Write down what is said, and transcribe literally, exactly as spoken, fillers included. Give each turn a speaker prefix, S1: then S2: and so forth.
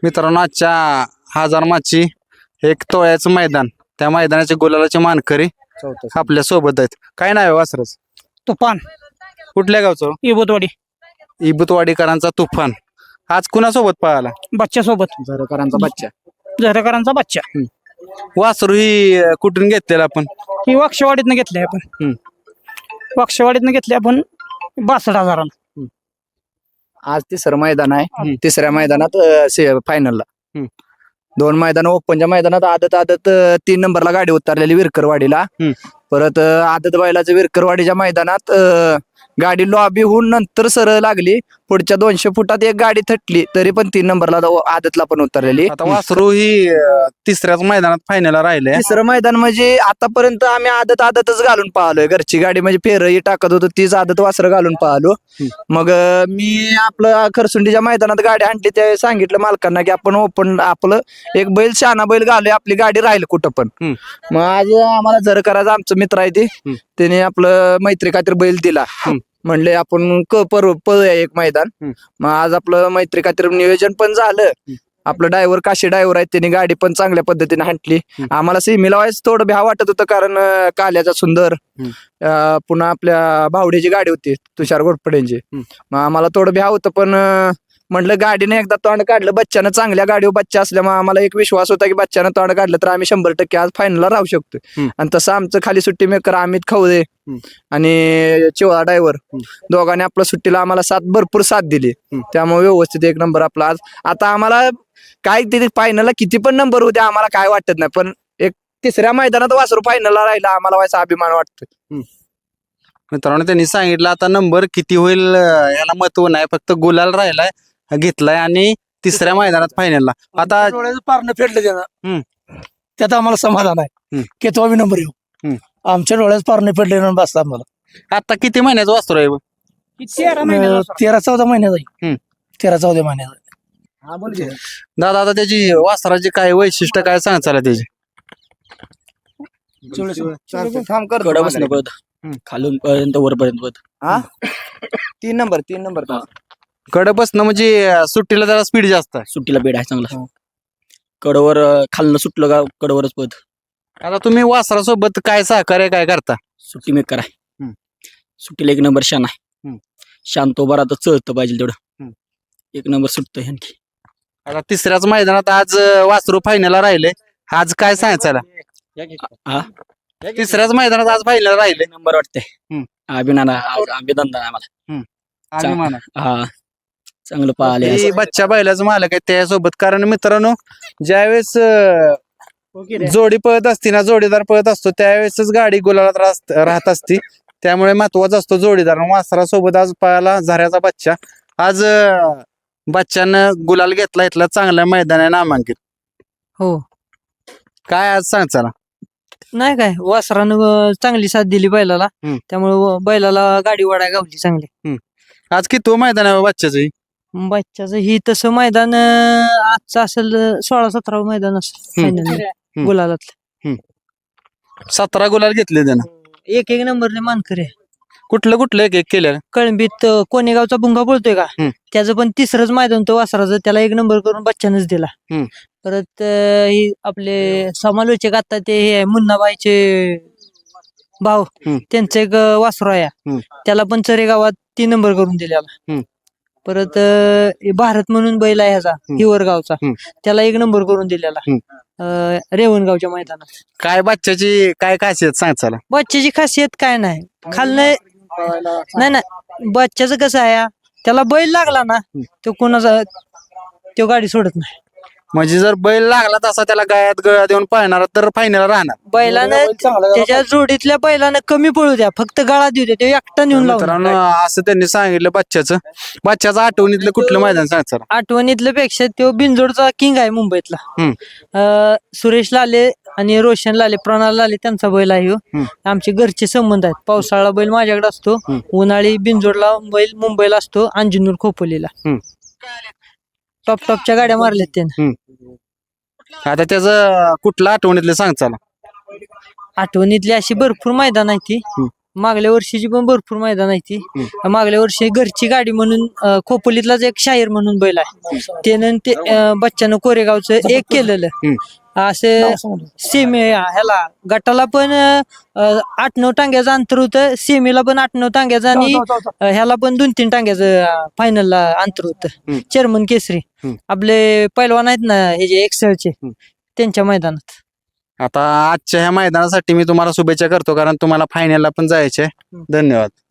S1: मित्रांनो आजच्या हजार माची एक तोळ्याचं मैदान, त्या मैदानाचे गुलालाचे मानकरी आपल्या सोबत आहेत. काय नाव आहे वासरच?
S2: तुफान
S1: कुठल्या गावचं?
S2: इबोतवाडी
S1: इबुतवाडीकरांचा तुफान आज कुणासोबत पळाला?
S2: बच्च्या सोबत
S1: झरकरांचा बच्चा.
S2: झरकरांचा बच्चा
S1: वासरू ही अं, कुठून घेतलेला आपण?
S2: ही वाक्षवाडीतनं घेतली आपण
S1: हम्म.
S2: वाक्षवाडीतनं घेतली आपण बासष्ट हजाराला.
S3: आज तिसरं मैदान
S1: हम्म.
S3: आहे. तिसऱ्या मैदानात फायनलला
S1: हम्म.
S3: दोन मैदान ओपनच्या मैदानात आदत आदत अं, तीन नंबरला गाडी उतरलेली विरकरवाडीला.
S1: हम्म.
S3: परत अं, आदत बैलाचं विरकरवाडीच्या मैदानात अं, गाडी लॉबी होऊन नंतर सरळ लागली. पुढच्या दोनशे फुटात एक गाडी थटली तरी पण तीन नंबरला दो- आदतला पण उतरलेली.
S1: आता वासरू ही अं, तिसऱ्याच मैदानात फायनल राहिले.
S3: तिसरं मैदान म्हणजे आतापर्यंत आम्ही आदत आदतच घालून पाहलोय. घरची गाडी म्हणजे फेरही टाकत होतो तीच आदत वासरं घालून पाहलो. मग अं, मी आपलं खरसुंडीच्या मैदानात गाडी आणली त्यावेळी सांगितलं मालकांना की आपण ओपन आपलं एक बैल शहाणा बैल घालूय, आपली गाडी राहील कुठं पण.
S1: हम्म.
S3: मग आज आम्हाला जर करायचं आमचं मित्र आहे ते त्याने आपलं मैत्री खातीर बैल दिला. म्हणले आपण क पर पळूया एक मैदान.
S1: हम्म.
S3: मग आज आपलं मैत्री खातीर नियोजन पण झालं. आपलं ड्रायव्हर काशी ड्रायव्हर आहे त्यांनी गाडी पण चांगल्या पद्धतीने हाणली. आम्हाला सेमीला व्हायचं थोडं भ्या वाटत होतं कारण अं, काल्याचा सुंदर अं, पुन्हा आपल्या भावडीची गाडी होती तुषार घोटपडेंची. मग आम्हाला थोडं भ्या होतं पण अं, म्हटलं गाडीने एकदा तोंड काढलं बच्च्यानं, चांगल्या गाडीवर बच्चा असल्यामुळे आम्हाला एक विश्वास होता की बच्च्यानं तोंड काढलं तर आम्ही शंभर टक्के आज फायनलला राहू शकतो. आणि तसं आमचं खाली सुट्टी मेकर अमित खवदे आणि चिवळा ड्रायव्हर दोघांनी आपल्या सुट्टीला आम्हाला साथ भरपूर साथ दिली. त्यामुळे व्यवस्थित एक नंबर आपला आज. आता आम्हाला काय तिथे फायनलला किती पण नंबर होते आम्हाला काय वाटत नाही, पण एक तिसऱ्या मैदानात वासरू फायनलला राहिला आम्हाला व्हायचा अभिमान वाटतोय.
S1: मित्रांनो त्यांनी सांगितलं आता नंबर किती होईल अं, याला महत्व नाही, फक्त गुलाल राहिलाय घेतलाय आणि तिसऱ्या मैदानात फायनलला. आता
S2: पारणं फेडलं
S1: हम्म.
S2: त्यानं त्यात आम्हाला समाधान आहे
S1: हम्म.
S2: की तो बी नंबर येऊ.
S1: हम्म.
S2: आमच्या डोळ्यात पारणं फेडले ना बस आम्हाला.
S1: आता किती महिन्याचं वासरू आहे?
S2: अं, तेरा चौदा महिन्याचा आहे.
S1: हम्म.
S2: तेरा चौदा महिन्याचा
S1: दादा आता त्याची वासराची काय वैशिष्ट्य काय सांगायचं त्याची?
S3: थांब कर
S4: कडा बसणं पद खालून पर्यंत वरपर्यंत पद.
S3: हा तीन नंबर तीन नंबर
S1: कडे बसणं म्हणजे अं, सुट्टीला जरा स्पीड जास्त आहे.
S4: सुट्टीला बेड आहे चांगला. कडवर अं, खालनं सुटलं का कडवरच पद.
S1: आता तुम्ही वासरासोबत काय सहकार्य काय करता?
S4: सुट्टी मेकर आहे.
S1: हम्म.
S4: सुट्टीला एक नंबर शान आहे.
S1: हम्म.
S4: शांत उभा राहतं चळतं पाहिजे तेवढं.
S1: हम्म.
S4: एक नंबर सुटतं आणखी.
S1: आता तिसऱ्याच मैदानात आज अं, वासरू फायनलला राहिले. आज काय सांगायचं?
S4: हा
S1: तिसऱ्याच मैदानात आज फायनल राहिले.
S4: एक नंबर वाटतंय.
S1: हम्म.
S4: अभिनंदन अभिनंदन आहे आम्हाला.
S1: अभिमान आहे.
S4: हा चांगलं पाहिले.
S1: ही बच्चा बैलाचं मालक आहे त्यासोबत. कारण मित्रांनो ज्यावेळेस अं, जोडी पळत असती ना, जोडीदार पळत असतो त्यावेळेसच गाडी गुलालात राहत राहत असती. त्यामुळे महत्वाचा असतो जोडीदार. वासरासोबत आज पळाला झऱ्याचा बच्चा. आज अं, बच्चानं गुलाल घेतला, इथला चांगल्या मैदान आहे नामांकित.
S2: हो
S1: काय आज सांग चला?
S2: नाही काय वासरानं अं, चांगली साथ दिली बैलाला.
S1: हम्म.
S2: त्यामुळे व- बैलाला गाडी वाढाय गावली चांगली.
S1: आज किती मैदान आहे बच्चाचं?
S2: बच्च्याचं ही तसं मैदान अं, आजचं असेल अं, सोळा सतरावं मैदान असेल
S1: हम्म.
S2: final गुलालातलं.
S1: सतरा गुलाल घेतले त्यानं.
S2: एक एक नंबरने मानकरी आहे.
S1: कुठलं कुठलं एक एक केलं?
S2: कळंबीत अं, कोणेगावचा भुंगा बोलतोय का
S1: हम्म.
S2: त्याचं पण तिसरंच मैदान तो वासराचं, त्याला एक नंबर करून बच्चानच दिला.
S1: हम्म.
S2: परत अं, ही आपले समालोचक आता ते हे आहे, मुन्नाबाईचे भाऊ
S1: हम्म.
S2: त्यांचं एक अं, वासरू आहे.
S1: हम्म.
S2: त्याला पण चरेगावात तीन नंबर करून दिलेला.
S1: हम्म.
S2: परत अं, हे भारत म्हणून बैल आहे ह्याचा हिवरगावचा,
S1: हम्म.
S2: त्याला एक नंबर करून दिलेला
S1: हम्म.
S2: अं, रेवणगावच्या मैदानात.
S1: काय बच्चाची काय खासियत सांग चला?
S2: बच्च्याची खासियत काय नाही, खालनं नाही नाही बच्च्याचं कसं आहे, त्याला बैल लागला ना तो कोणाचा तो गाडी सोडत नाही.
S1: म्हणजे जर बैल लागला तसा त्याला गायात गळा देऊन पाहणार तर फायनल राहणार.
S2: बैलानं त्याच्या जोडीतल्या बैलानं कमी पळू द्या, फक्त गळा देऊ द्या, तो एकटा नेऊन
S1: मित्रांनो
S2: लावणार.
S1: असं त्यांनी सांगितलं बच्च्याचं. बच्च्याचं आठवणीतलं कुठलं मैदान सांग चला?
S2: आठवणीतल्या पेक्षा तो बिनजोडचा किंग आहे मुंबईतला.
S1: हम्म.
S2: अं, सुरेश लाले आणि रोशन लाले, प्रणाल लाले त्यांचा बैल आहे ह्यो.
S1: हम्म.
S2: आमचे घरचे संबंध आहेत. पावसाळा बैल माझ्याकडे असतो,
S1: हम्म.
S2: उन्हाळी बिनजोडला बैल मुंबईला असतो, अंजनूर खोपोलीला.
S1: हम्म.
S2: टॉप टॉपच्या गाड्या मारल्यात त्यानं.
S1: आता त्याचं कुठलं आठवणीतलं सांग चला?
S2: आठवणीतली अशी भरपूर मैदान आहे ती.
S1: हम्म.
S2: मागल्या वर्षीची पण भरपूर मैदान आहे ती मागल्या वर्षी घरची गाडी म्हणून अं, खोपोलीतलाच एक शाहीर म्हणून बैल आहे त्यानं ते अं, बच्चानं कोरेगावचं एक केलेलं असं सेमी ह्याला गटाला पण अं, आठ नऊ टांग्याचं अंतर होतं सेमीला पण आठ नऊ टांग्याचं आणि अं, ह्याला पण दोन तीन टांग्याचं फायनलला अंतर होतं चेअरमन केसरी आपले पैलवान आहेत ना हे जे एक्सेलचे त्यांच्या मैदानात.
S1: आता आजच्या ह्या मैदानासाठी मी तुम्हाला शुभेच्छा करतो कारण तुम्हाला फायनलला पण जायचे. धन्यवाद.